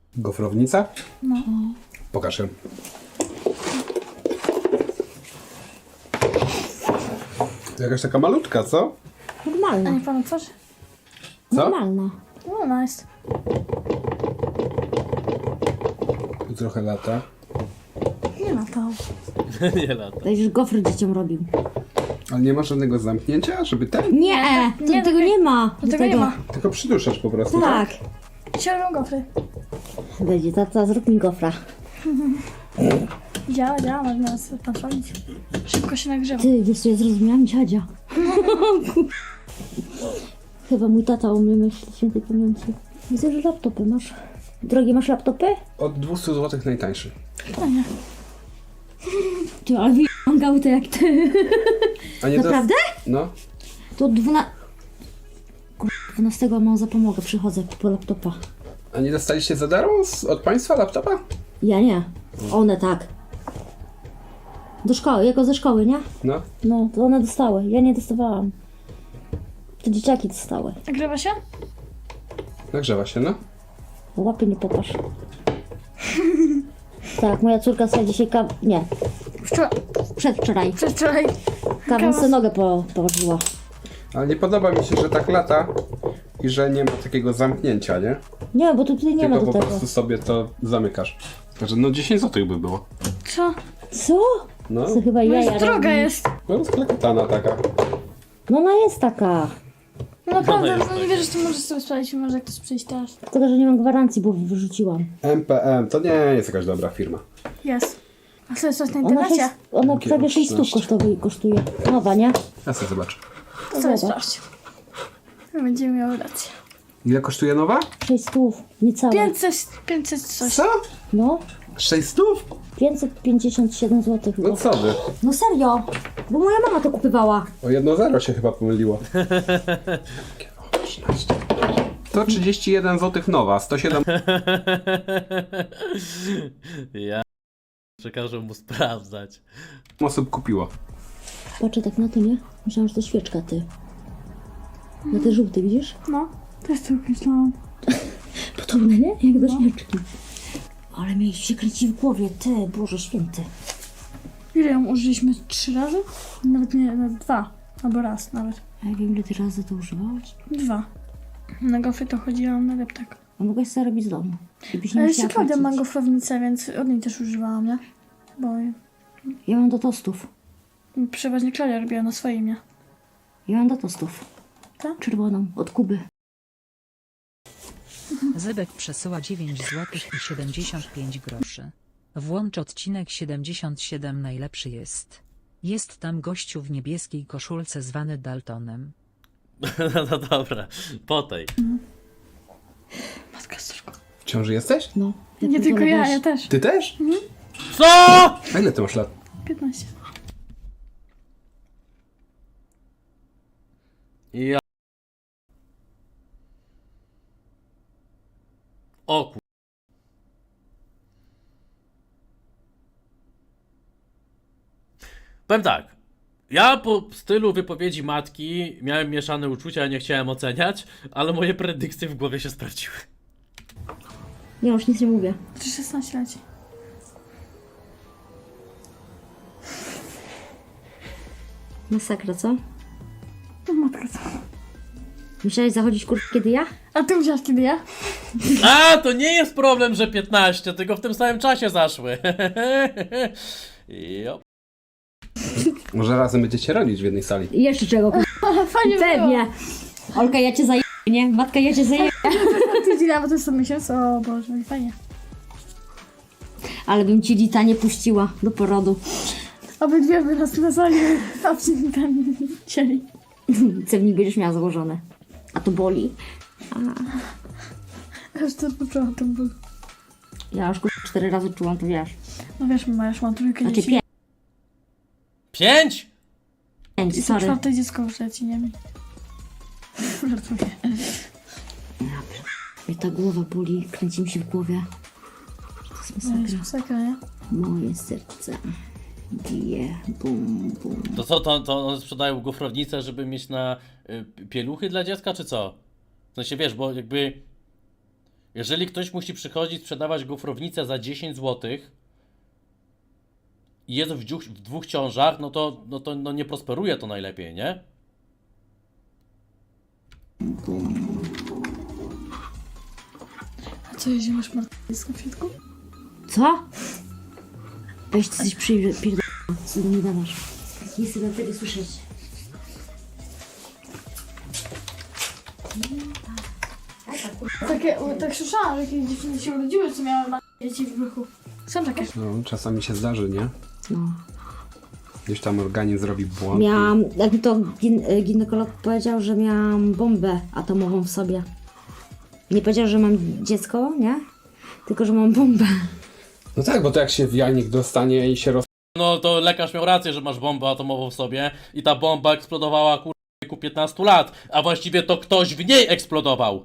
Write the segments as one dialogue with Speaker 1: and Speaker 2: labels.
Speaker 1: Gofrownica?
Speaker 2: No.
Speaker 1: Pokaż ją. Jakaś taka malutka, co?
Speaker 2: A
Speaker 3: Normalna.
Speaker 2: nie pan otworzy?
Speaker 1: Co?
Speaker 3: Normalna.
Speaker 2: No, ona jest.
Speaker 1: Tu trochę lata.
Speaker 2: Nie ma to.
Speaker 4: Nie lata.
Speaker 3: To już gofry dzieciom robił.
Speaker 1: Ale nie ma żadnego zamknięcia, żeby ten?
Speaker 3: Nie, to
Speaker 2: nie,
Speaker 3: tego nie ma.
Speaker 2: Do tego nie ma.
Speaker 1: Tylko przyduszasz po prostu,
Speaker 3: Tak.
Speaker 2: Dzisiaj robią gofry.
Speaker 3: Będzie, tata, zrób mi gofra.
Speaker 2: Działa, można nas kontrolić. Szybko się nagrzewa.
Speaker 3: Ty, wiesz co, ja zrozumiałam dziadzia. Chyba mój tata o mnie myśli, świętej pamięci. Widzę, że laptopy masz. Drogie, masz laptopy?
Speaker 1: Od 200 zł najtańszy.
Speaker 2: Fajnie.
Speaker 3: Ty, ale wyjągał to jak ty.
Speaker 1: A nie
Speaker 3: Naprawdę?
Speaker 1: No.
Speaker 3: To 12 mam zapomogę, przychodzę po laptopa.
Speaker 1: A nie dostaliście za darmo od państwa laptopa?
Speaker 3: Ja nie. One tak. Do szkoły, jako ze szkoły, nie?
Speaker 1: No.
Speaker 3: No, to one dostały. Ja nie dostawałam. To dzieciaki dostały.
Speaker 2: Nagrywa się?
Speaker 1: Nagrzewa się, no.
Speaker 3: Łapy nie popatrz. Tak, moja córka sobie dzisiaj nie, przedwczoraj.
Speaker 2: Przedwczoraj.
Speaker 3: Kawę sobie nogę położyła.
Speaker 1: Ale nie podoba mi się, że tak lata i że nie ma takiego zamknięcia, nie?
Speaker 3: Nie, bo tu tutaj nie ma
Speaker 1: Tylko
Speaker 3: do
Speaker 1: po
Speaker 3: tego.
Speaker 1: prostu sobie to zamykasz. Także no 10 zł by było.
Speaker 2: Co?
Speaker 3: Co?
Speaker 1: No,
Speaker 3: To chyba
Speaker 2: No
Speaker 3: jaja
Speaker 2: jest droga
Speaker 3: robi.
Speaker 2: jest.
Speaker 1: no sklekotana taka.
Speaker 3: No ona jest taka.
Speaker 2: No naprawdę,
Speaker 4: jest
Speaker 2: no nie wierzę, że to możesz sobie sprawdzić, może jak ktoś przyjść teraz.
Speaker 3: Tylko, że nie mam gwarancji, bo wyrzuciłam.
Speaker 1: MPM to nie jest jakaś dobra firma.
Speaker 2: Jest. A co jest coś na
Speaker 3: Ona,
Speaker 2: internecie?
Speaker 3: ona prawie 6 stów
Speaker 1: 13.
Speaker 3: kosztuje. Nowa, nie?
Speaker 1: Ja sobie zobaczę.
Speaker 2: To sobie
Speaker 3: Zobacz.
Speaker 2: sprawdź. Będziemy miały rację.
Speaker 1: Ile kosztuje nowa?
Speaker 3: 6 stów, niecałe.
Speaker 2: 500 coś.
Speaker 1: Co?
Speaker 3: No,
Speaker 1: 600?
Speaker 3: 557 zł chyba.
Speaker 1: No co wy?
Speaker 3: No serio, bo moja mama to kupywała.
Speaker 1: O 1,0 się chyba pomyliło. O, 13. To 31 zł nowa, 107
Speaker 4: Ja przekażę mu sprawdzać.
Speaker 1: osób kupiło.
Speaker 3: Patrzę tak na to, nie? Myślałam, że to świeczka, ty. Na te żółte, widzisz?
Speaker 2: No, też tak myślałam.
Speaker 3: Podobne, nie? Jak do świeczki. Ale mi się kręci w głowie, ty, Boże Święty.
Speaker 2: Ile ją użyliśmy? 3 razy? Nawet nie, nawet 2. Albo raz nawet.
Speaker 3: A ja wiem, ile ty razy to używałaś.
Speaker 2: 2. Na gofry to chodziłam na deptak.
Speaker 3: A mogłaś sobie robić z domu. Gdybyś nie
Speaker 2: Ale
Speaker 3: musiała
Speaker 2: jeszcze Klaudia ma
Speaker 3: płacić.
Speaker 2: gofrownicę, więc od niej też używałam, nie? Bo
Speaker 3: Ja mam do tostów.
Speaker 2: przeważnie Klaudia robiła na swoim, nie?
Speaker 3: Ja mam do tostów.
Speaker 2: Tak?
Speaker 3: Czerwoną, od Kuby.
Speaker 5: Zybek przesyła 9 zł i 75 groszy. Włącz odcinek 77 najlepszy jest. Jest tam gościu w niebieskiej koszulce zwany Daltonem.
Speaker 4: No dobra, po tej.
Speaker 2: Matka córko.
Speaker 1: W ciąży jesteś?
Speaker 3: No. jak
Speaker 2: Nie
Speaker 3: to
Speaker 2: tylko ja,
Speaker 3: lewaś.
Speaker 2: ja też.
Speaker 1: Ty też?
Speaker 4: Co?
Speaker 1: A ile ty masz lat?
Speaker 2: 15.
Speaker 4: Ja. O kur... Powiem tak. Ja po stylu wypowiedzi matki miałem mieszane uczucia, nie chciałem oceniać, ale moje predykcje w głowie się sprawdziły.
Speaker 3: Ja już nic nie mówię.
Speaker 2: 16 leci.
Speaker 3: Masakra, co?
Speaker 2: No matka co?
Speaker 3: Musiałeś zachodzić kiedy ja?
Speaker 2: A ty myślałaś kiedy ja?
Speaker 4: A, to nie jest problem, że 15, tylko w tym samym czasie zaszły. Jo.
Speaker 1: Może razem będziecie rodzić w jednej sali.
Speaker 3: I jeszcze czego?
Speaker 2: Fajnie
Speaker 3: Pewnie. Olka, ja cię zaję, nie? Matka, ja cię zaję.
Speaker 2: było. Ty dziela, bo to jest co miesiąc. O Boże, fajnie.
Speaker 3: Ale bym ci Dita nie puściła do porodu.
Speaker 2: Obydwie by nas nazwali, a ten cieli.
Speaker 3: Cewnik będziesz miała założone. A to boli.
Speaker 2: Aż to poczułam ten ból.
Speaker 3: Ja już 4 razy czułam, to wiesz.
Speaker 2: No wiesz, mama, już mam trójkę
Speaker 3: Znaczy
Speaker 2: dzieci.
Speaker 4: 5?
Speaker 3: 5,
Speaker 2: I to
Speaker 3: sorry.
Speaker 2: 4 dziecko w trzeci, nie mi. Żartuję.
Speaker 3: Mnie ta głowa boli, kręci mi się w głowie. To jest
Speaker 2: No jest
Speaker 3: masakra.
Speaker 2: masakra, nie?
Speaker 3: Moje serce bije, bum, bum.
Speaker 4: To co, to one sprzedają gofrownicę, żeby mieć na pieluchy dla dziecka, czy co? W sensie, wiesz, bo jakby Jeżeli ktoś musi przychodzić, sprzedawać gofrownicę za 10 zł i jest w dwóch ciążach, no nie prosperuje to najlepiej, nie?
Speaker 2: A co, jeżeli masz martwisko w środku?
Speaker 3: Co? Weź, ty coś pierdolona, co do mnie gadasz. Nie chcę na tego słyszeć.
Speaker 2: Tak słyszałam, że jakieś dziewczyny się urodziły, co miały dzieci w brzuchu. Są takie.
Speaker 1: No, czasami się zdarzy, nie?
Speaker 3: No.
Speaker 1: Gdzieś tam organizm zrobi błąd.
Speaker 3: Miałam, jak mi to ginekolog powiedział, że miałam bombę atomową w sobie. Nie powiedział, że mam dziecko, nie? Tylko, że mam bombę.
Speaker 1: No tak, bo to jak się w jajnik dostanie i się
Speaker 4: No to lekarz miał rację, że masz bombę atomową w sobie i ta bomba eksplodowała w wieku 15 lat, a właściwie to ktoś w niej eksplodował.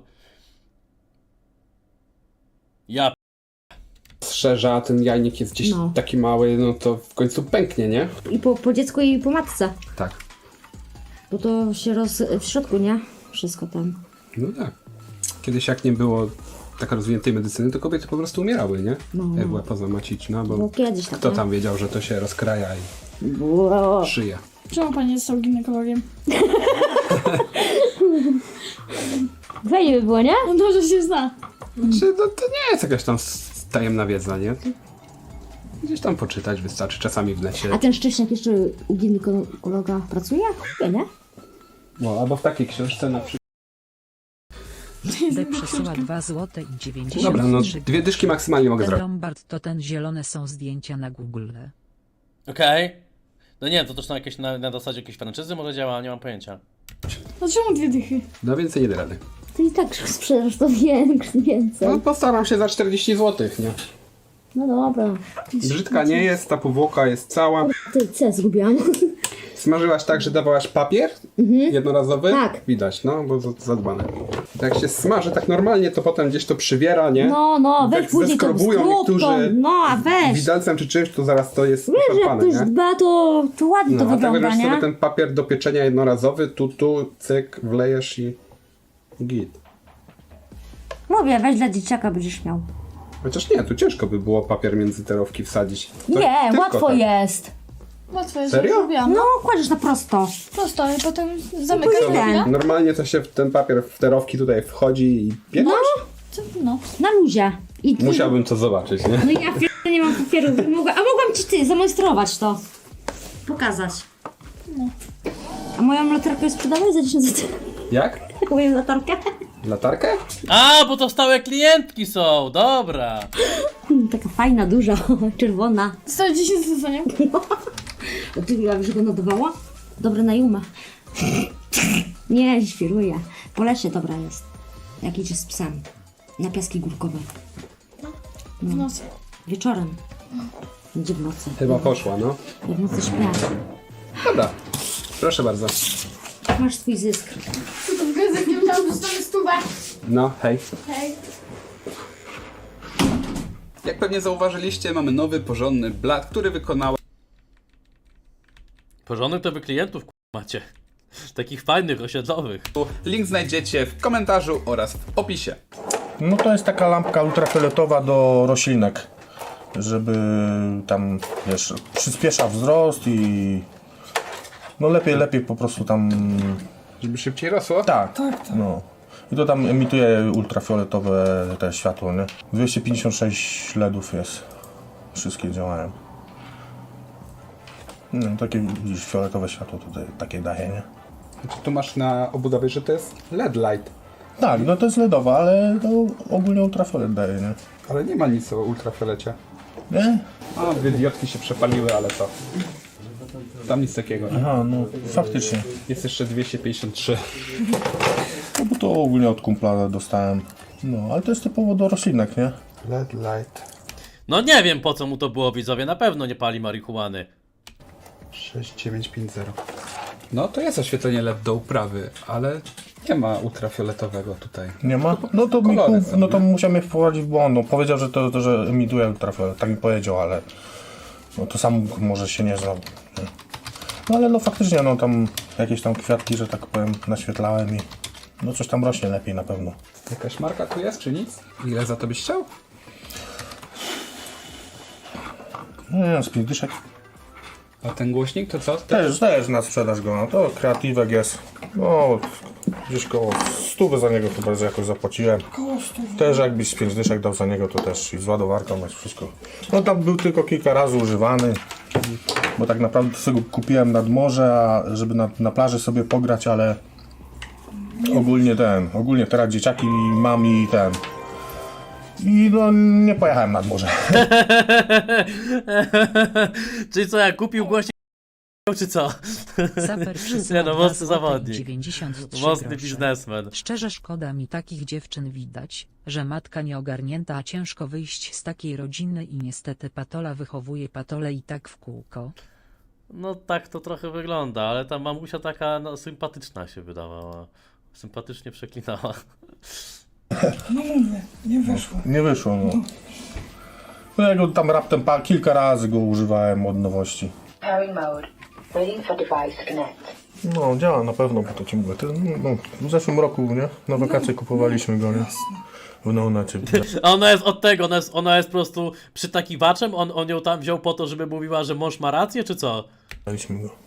Speaker 4: Ja
Speaker 1: rozszerza, a ten jajnik jest gdzieś
Speaker 3: No.
Speaker 1: taki mały, no to w końcu pęknie, nie?
Speaker 3: I po dziecku i po matce.
Speaker 1: Tak.
Speaker 3: Bo to się w środku, nie? Wszystko tam.
Speaker 1: No tak. Kiedyś jak nie było tak rozwiniętej medycyny, to kobiety po prostu umierały, nie?
Speaker 3: No.
Speaker 1: Jak była pozamaciczna, bo
Speaker 3: Było kiedyś tak,
Speaker 1: kto
Speaker 3: nie?
Speaker 1: tam wiedział, że to się rozkraja i
Speaker 3: Było.
Speaker 1: szyje.
Speaker 2: Czemu pan nie został ginekologiem?
Speaker 3: Fajnie by było, nie?
Speaker 2: On dobrze się zna.
Speaker 1: Znaczy, no to nie jest jakaś tam tajemna wiedza, nie? Gdzieś tam poczytać wystarczy, czasami w necie.
Speaker 3: A ten Szcześniak jeszcze u ginekologa pracuje? Nie, nie?
Speaker 1: No, albo w takiej książce na przykład.
Speaker 5: D przesyła 2 zł i 93
Speaker 1: Dobra, no 2 dyszki maksymalnie mogę
Speaker 5: Ten
Speaker 1: zrobić.
Speaker 5: Lombard to ten zielone są zdjęcia na Google.
Speaker 4: okej. No nie wiem, to też na zasadzie jakiejś franczyzy może działa, nie mam pojęcia.
Speaker 2: No czemu 2 dychy?
Speaker 1: No więcej nie da rady.
Speaker 3: Ty i tak sprzedasz to więcej.
Speaker 1: No postaram się za 40 zł, nie?
Speaker 3: No dobra.
Speaker 1: Brzydka nie jest, ta powłoka jest cała.
Speaker 3: Ty, co ja zgubiłam?
Speaker 1: Smażyłaś tak, że dawałaś papier jednorazowy?
Speaker 3: Tak.
Speaker 1: Widać, no, bo zadbane. Jak się smaży tak normalnie, to potem gdzieś to przywiera, nie?
Speaker 3: No, weź
Speaker 1: Jak
Speaker 3: później to
Speaker 1: zeskrobują
Speaker 3: zrób
Speaker 1: niektórzy
Speaker 3: to. No, a weź.
Speaker 1: widelcem czy czymś, to zaraz to jest
Speaker 3: Wiesz, jak
Speaker 1: szarpane,
Speaker 3: ktoś
Speaker 1: nie?
Speaker 3: dba, to ładnie to
Speaker 1: No, a tak
Speaker 3: wygląda,
Speaker 1: bierzesz
Speaker 3: nie?
Speaker 1: sobie ten papier do pieczenia jednorazowy, tu, cyk, wlejesz i git.
Speaker 3: Mówię, weź dla dzieciaka będziesz miał.
Speaker 1: Chociaż nie, tu ciężko by było papier między te rowki wsadzić. To
Speaker 3: Nie,
Speaker 1: tylko
Speaker 3: łatwo
Speaker 1: tak.
Speaker 3: jest.
Speaker 2: Łatwo jest,
Speaker 1: Serio?
Speaker 2: jak zrobiłam.
Speaker 3: No, kładziesz na prosto.
Speaker 2: Prosto, i potem zamykasz
Speaker 3: Później
Speaker 2: chwilę.
Speaker 3: ten.
Speaker 1: Normalnie to się w ten papier w te rowki tutaj wchodzi i pieczesz?
Speaker 2: No.
Speaker 3: Na luzie. I
Speaker 1: Musiałbym to zobaczyć, nie?
Speaker 3: No ja nie mam papieru. Mogłam ci ty zamajstrować to. Pokazać.
Speaker 2: No.
Speaker 3: A moją latarkę już sprzedałeś za 10 zł?
Speaker 1: Jak?
Speaker 3: Moją latarkę?
Speaker 1: Latarkę?
Speaker 4: A, bo to stałe klientki są, dobra.
Speaker 3: Taka fajna, duża, czerwona.
Speaker 2: Zostało 10 zł, nie?
Speaker 3: A ty już go nadawała? Dobre na Juma. Nie, świruję. Po lesie dobra jest. Jak idzie z psem. Na piaski górkowe.
Speaker 2: W nocy.
Speaker 3: Wieczorem. Gdzie w nocy?
Speaker 1: Chyba poszła, no.
Speaker 3: Ja w nocy śpię.
Speaker 1: Dobra, proszę bardzo.
Speaker 3: Masz swój zysk.
Speaker 2: To w gazecie nie myślałam, że dostanę stówę.
Speaker 1: No, hej.
Speaker 2: Hej.
Speaker 1: Jak pewnie zauważyliście, mamy nowy, porządny blat, który wykonała
Speaker 4: Porządnych to wy klientów macie. Takich fajnych, osiedlowych.
Speaker 1: Link znajdziecie w komentarzu oraz w opisie.
Speaker 6: No to jest taka lampka ultrafioletowa do roślinek, żeby tam, wiesz, przyspiesza wzrost i no lepiej po prostu tam,
Speaker 1: Żeby szybciej rosło?
Speaker 6: tak. No. I to tam emituje ultrafioletowe te światło, nie? 256 LEDów jest, wszystkie działają. No, takie widzisz, fioletowe światło tutaj takie daje, nie?
Speaker 1: Znaczy, tu masz na obudowie, że to jest LED light.
Speaker 6: Tak, no to jest LEDowa, ale to ogólnie ultrafiolet daje, nie?
Speaker 1: Ale nie ma nic o ultrafiolecie.
Speaker 6: Nie?
Speaker 1: A, 2 diodki się przepaliły, ale to... Tam nic takiego, nie?
Speaker 6: Aha, no faktycznie.
Speaker 1: Jest jeszcze 253.
Speaker 6: No bo to ogólnie od kumpla dostałem. No, ale to jest typowo do roślinek, nie?
Speaker 1: LED light.
Speaker 4: No nie wiem po co mu to było, widzowie, na pewno nie pali marihuany.
Speaker 1: 6950. No to jest oświetlenie LED do uprawy, ale nie ma ultrafioletowego tutaj.
Speaker 6: Nie ma? No to,
Speaker 1: Kolory są,
Speaker 6: no to
Speaker 1: nie?
Speaker 6: musiał mnie wprowadzić w błąd. No, powiedział, że to że emituje ultrafiolet. Tak mi powiedział, ale no to sam może się nie znał. Nie? No ale no faktycznie, no tam jakieś tam kwiatki, że tak powiem, naświetlałem i No coś tam rośnie lepiej na pewno.
Speaker 1: Jakaś marka tu jest, czy nic? Ile za to byś chciał?
Speaker 6: No, z 5 dyszek.
Speaker 1: A ten głośnik to co?
Speaker 6: Też na sprzedaż go, no to kreatywek jest. No, gdzieś koło 100 za niego chyba jakoś zapłaciłem. Też jakbyś z 5 dyszek dał za niego, to też i z ładowarką jest wszystko. No tam był tylko kilka razy używany, bo tak naprawdę sobie go kupiłem nad morze, a żeby na plaży sobie pograć, ale ogólnie teraz dzieciaki mam i i no nie pojechałem nad morze.
Speaker 4: Czyli co, jak kupił głośnik, czy co?
Speaker 5: Saper
Speaker 4: Nie
Speaker 5: przysyła
Speaker 4: no,
Speaker 5: 2
Speaker 4: mocny
Speaker 5: złote i
Speaker 4: zawodnik.
Speaker 5: 93
Speaker 4: Mocny
Speaker 5: grosze.
Speaker 4: biznesmen.
Speaker 5: Szczerze szkoda mi takich dziewczyn, widać, że matka nieogarnięta, a ciężko wyjść z takiej rodziny i niestety patola wychowuje patole i tak w kółko.
Speaker 4: No tak to trochę wygląda, ale ta mamusia taka no, sympatyczna się wydawała. Sympatycznie przeklinała.
Speaker 6: Nie wyszło, no. No ja go tam raptem kilka razy go używałem od nowości.
Speaker 7: Pairing mode. Waiting for device to connect.
Speaker 6: No działa na pewno, bo to ci mówię. W zeszłym roku, nie? Na wakacje kupowaliśmy go, nie? W Neonacie.
Speaker 4: A ona jest od tego, ona jest po prostu przytakiwaczem, on ją tam wziął po to, żeby mówiła, że mąż ma rację, czy co?
Speaker 6: Kupowaliśmy go.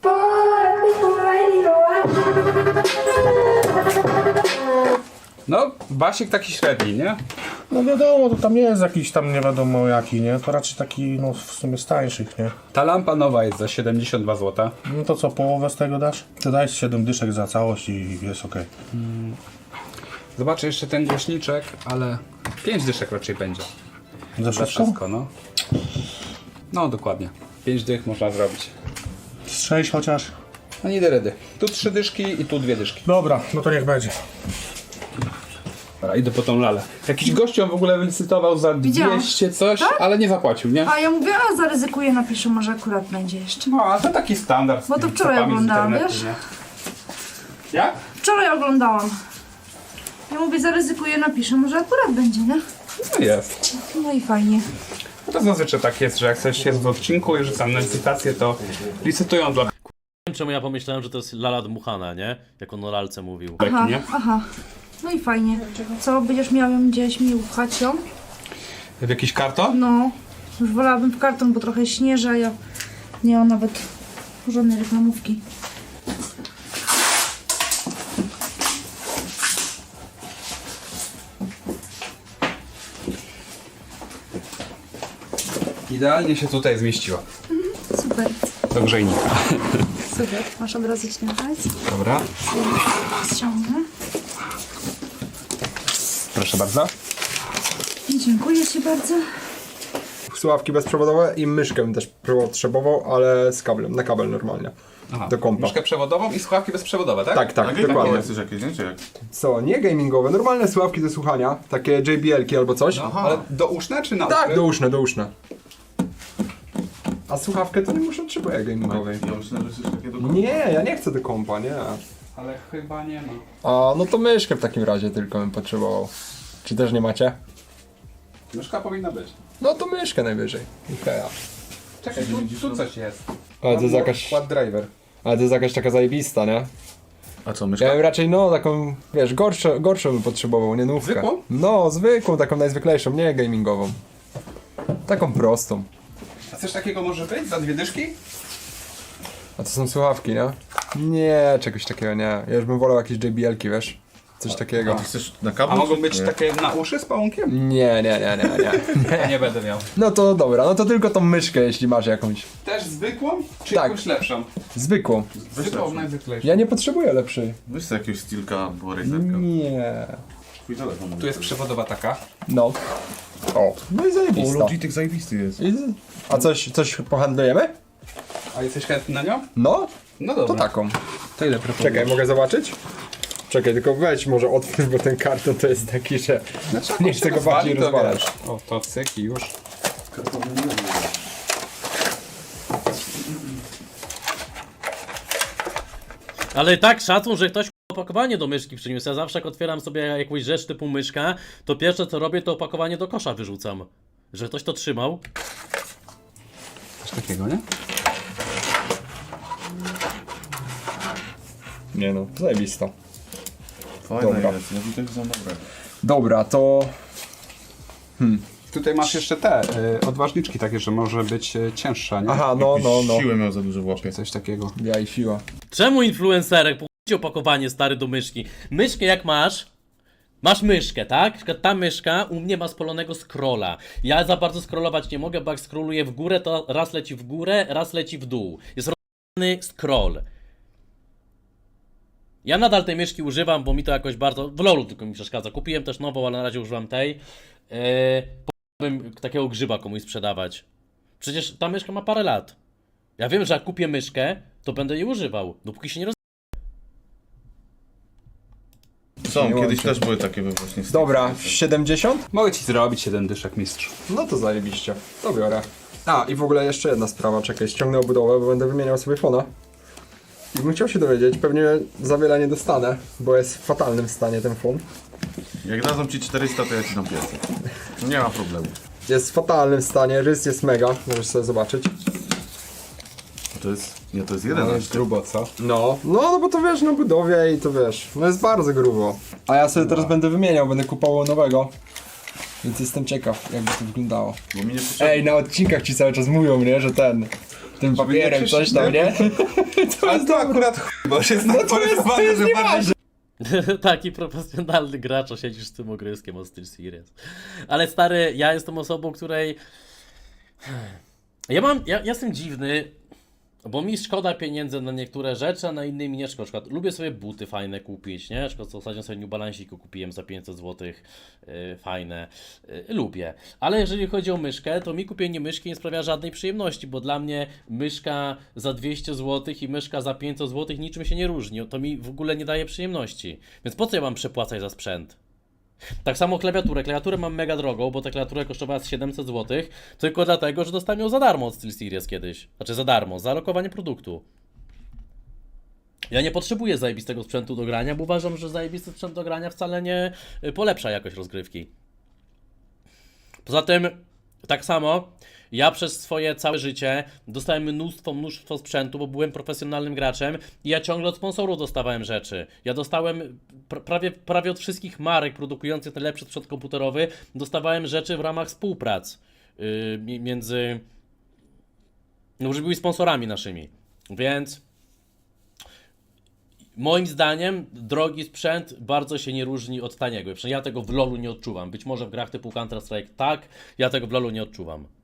Speaker 1: No, basik taki średni, nie?
Speaker 6: No wiadomo, to tam nie jest jakiś tam nie wiadomo jaki, nie? To raczej taki, no w sumie z tańszych, nie?
Speaker 1: Ta lampa nowa jest za 72 zł.
Speaker 6: No to co, połowę z tego dasz? To dajesz 7 dyszek za całość i jest okej.
Speaker 1: Zobaczę jeszcze ten głośniczek, ale 5 dyszek raczej będzie.
Speaker 6: Za
Speaker 1: Za
Speaker 6: wszystko?
Speaker 1: wszystko, no. No, dokładnie. 5 dych można zrobić.
Speaker 6: Z 6 chociaż?
Speaker 1: No nie da rady. Tu 3 dyszki i tu 2 dyszki.
Speaker 6: Dobra, no to niech będzie.
Speaker 1: Dobra, idę po tą lalę. Jakiś gościu w ogóle wylicytował za
Speaker 2: Widziałam.
Speaker 1: 200 coś, ale nie zapłacił, nie?
Speaker 2: A ja mówię, a zaryzykuję, napiszę, może akurat będzie jeszcze.
Speaker 1: No, a to taki standard. z
Speaker 2: Bo to
Speaker 1: tymi
Speaker 2: wczoraj
Speaker 1: copami z
Speaker 2: oglądałam,
Speaker 1: internetu,
Speaker 2: wiesz?
Speaker 1: nie? Jak?
Speaker 2: Wczoraj oglądałam. Ja mówię, zaryzykuję, napiszę, może akurat będzie, nie?
Speaker 1: No jest.
Speaker 2: No i fajnie.
Speaker 1: No to zazwyczaj tak jest, że jak coś jest w odcinku i rzucam na licytację, to licytują dla
Speaker 4: Nie wiem, czemu ja pomyślałem, że to jest lala dmuchana, nie? Jak on o lalce mówił.
Speaker 2: Aha,
Speaker 1: nie?
Speaker 2: aha. No i fajnie. Co, będziesz miał ją gdzieś mi upchać ją?
Speaker 1: W jakiś karton?
Speaker 2: No, już wolałabym w karton, bo trochę śnieży, a ja nie mam nawet żadnej reklamówki.
Speaker 1: Idealnie się tutaj zmieściła.
Speaker 2: Super,
Speaker 1: Do grzejnika.
Speaker 2: super. Masz od razu śniadać?
Speaker 1: Dobra.
Speaker 2: Ściągnę.
Speaker 1: Proszę bardzo.
Speaker 2: Dziękuję Ci bardzo.
Speaker 8: Słuchawki bezprzewodowe i myszkę bym też potrzebował, ale z kablem, na kabel normalnie.
Speaker 1: Aha.
Speaker 8: Do kompa.
Speaker 1: Myszkę przewodową i słuchawki bezprzewodowe, tak?
Speaker 8: Tak, tak, dokładnie.
Speaker 6: Chcesz jakieś, nie? Czy jak?
Speaker 8: Co, nie gamingowe, normalne słuchawki do słuchania, takie JBL-ki albo coś.
Speaker 1: Ale douszne czy nauszne?
Speaker 8: Tak, douszne. A słuchawkę to nie muszę potrzebuję gamingowej.
Speaker 6: Ja myślę, że coś takiego do
Speaker 8: Nie, ja nie chcę do kompa, nie.
Speaker 1: Ale chyba nie ma.
Speaker 8: A, no to myszkę w takim razie tylko bym potrzebował. Czy też nie macie?
Speaker 1: Myszka powinna być.
Speaker 8: No to myszkę najwyżej. Ikea.
Speaker 1: Czekaj, tu coś jest.
Speaker 8: Ale to jest jakaś...
Speaker 1: Quad driver.
Speaker 8: Ale to jest jakaś taka zajebista, nie?
Speaker 6: A co,
Speaker 8: Ja
Speaker 6: myszka?
Speaker 8: bym raczej, no, taką, wiesz, gorszą bym potrzebował, nie nówkę.
Speaker 1: Zwykłą?
Speaker 8: No, zwykłą, taką najzwyklejszą, nie gamingową. Taką prostą.
Speaker 1: A coś takiego może być? Za 2 dyszki?
Speaker 8: A to są słuchawki, nie? Nie, czegoś takiego nie. Ja już bym wolał jakieś JBL-ki, wiesz? Coś takiego.
Speaker 6: Ty chcesz na kablu?
Speaker 1: A mogą
Speaker 6: czy
Speaker 1: być
Speaker 6: nie?
Speaker 1: takie na uszy z pałunkiem?
Speaker 8: Nie.
Speaker 1: Nie będę miał.
Speaker 8: No to dobra, no to tylko tą myszkę, jeśli masz jakąś.
Speaker 1: Też zwykłą? Czy
Speaker 8: Tak.
Speaker 1: jakąś lepszą?
Speaker 8: Zwykłą.
Speaker 1: Zwykłą, najzwyklejszą.
Speaker 8: Ja nie potrzebuję lepszej.
Speaker 6: Weź sobie jakiegoś stilka albo razerka.
Speaker 8: Nie.
Speaker 6: Twój telefon.
Speaker 1: Tu jest przewodowa taka.
Speaker 8: No. O, no i zajebista.
Speaker 6: Logitech zajebisty jest.
Speaker 8: A coś pohandlujemy?
Speaker 1: A jesteś chętny na nią?
Speaker 8: No,
Speaker 1: No
Speaker 8: to
Speaker 1: dobra.
Speaker 8: taką.
Speaker 1: To ile proponujesz?
Speaker 8: Czekaj, mogę zobaczyć? Czekaj, tylko weź może otwórz, bo ten karton to jest taki, że nie chcę go bardziej rozwalać.
Speaker 1: O, to cyk i już.
Speaker 4: Ale i tak szacun, że ktoś opakowanie do myszki przyniósł. Ja zawsze jak otwieram sobie jakąś rzecz typu myszka, to pierwsze co robię, to opakowanie do kosza wyrzucam. Że ktoś to trzymał.
Speaker 1: Coś takiego, nie?
Speaker 8: Nie no, zajebista.
Speaker 6: Fajne
Speaker 8: Dobra.
Speaker 6: jest, ja tutaj są dobre.
Speaker 8: Dobra, to...
Speaker 1: Tutaj masz jeszcze te odważniczki takie, że może być cięższa, nie?
Speaker 8: Aha, no.
Speaker 6: Siłę miał za dużo w łapie.
Speaker 1: Coś takiego.
Speaker 8: Ja i siła.
Speaker 4: Czemu influencerek? Pójdź opakowanie stary do myszki. Myszkę jak masz? Masz myszkę, tak? Na przykład ta myszka u mnie ma spalonego scrolla. Ja za bardzo scrollować nie mogę, bo jak scrolluję w górę, to raz leci w górę, raz leci w dół. Jest rozwiązany scroll. Ja nadal tej myszki używam, bo mi to jakoś bardzo... W LoLu tylko mi przeszkadza. Kupiłem też nową, ale na razie używam tej. Powinien takiego grzyba komuś sprzedawać. Przecież ta myszka ma parę lat. Ja wiem, że jak kupię myszkę, to będę jej używał, dopóki się nie
Speaker 6: Są,
Speaker 8: Nie
Speaker 6: kiedyś
Speaker 8: łączę.
Speaker 6: też były takie we właśnie.
Speaker 8: Dobra, 70?
Speaker 1: Mogę ci zrobić 7 dyszek, mistrz.
Speaker 8: No to zajebiście. To biorę. A, i w ogóle jeszcze jedna sprawa, czekaj, ściągnę obudowę, bo będę wymieniał sobie fona. I bym chciał się dowiedzieć, pewnie za wiele nie dostanę, bo jest w fatalnym stanie ten fon.
Speaker 6: Jak dadzą ci 400, to ja ci dam 500. Nie ma problemu.
Speaker 8: Jest w fatalnym stanie, rys jest mega, możesz sobie zobaczyć.
Speaker 6: To jest... Nie, to jest
Speaker 8: No
Speaker 6: 11.
Speaker 8: jest grubo, co? No bo to wiesz, na budowie i to wiesz, no jest bardzo grubo. A ja sobie teraz będę wymieniał, będę kupował nowego. Więc jestem ciekaw, jakby to wyglądało.
Speaker 6: Bo mi nie potrzebne.
Speaker 8: Ej, na odcinkach ci cały czas mówią, nie, że tym papierem
Speaker 6: nie
Speaker 8: coś tam, nie?
Speaker 6: Ale to akurat bo już jest tak porysowany, że bardziej...
Speaker 4: Taki profesjonalny gracz, a siedzisz z tym ogryskiem od Steel Series. Ale stary, ja jestem osobą, której... Ja jestem dziwny, bo mi szkoda pieniędzy na niektóre rzeczy, a na inne mi nie szkoda. Na przykład lubię sobie buty fajne kupić, nie? Na przykład ostatnio sobie New Balance'iku kupiłem za 500 zł, fajne. Lubię. Ale jeżeli chodzi o myszkę, to mi kupienie myszki nie sprawia żadnej przyjemności, bo dla mnie myszka za 200 zł i myszka za 500 zł niczym się nie różni. To mi w ogóle nie daje przyjemności. Więc po co ja mam przepłacać za sprzęt? Tak samo klawiaturę. Klawiaturę mam mega drogą, bo ta klawiatura kosztowała 700 zł, tylko dlatego, że dostałem ją za darmo od SteelSeries kiedyś. Znaczy za darmo, za lokowanie produktu. Ja nie potrzebuję zajebistego sprzętu do grania, bo uważam, że zajebisty sprzęt do grania wcale nie polepsza jakość rozgrywki. Poza tym, tak samo, ja przez swoje całe życie dostałem mnóstwo sprzętu, bo byłem profesjonalnym graczem i ja ciągle od sponsorów dostawałem rzeczy. Ja dostałem prawie od wszystkich marek produkujących najlepszy sprzęt komputerowy, dostawałem rzeczy w ramach współprac między... No, że byli sponsorami naszymi. Więc... Moim zdaniem drogi sprzęt bardzo się nie różni od taniego. Przynajmniej ja tego w LoLu nie odczuwam. Być może w grach typu Counter-Strike tak, ja tego w LoLu nie odczuwam.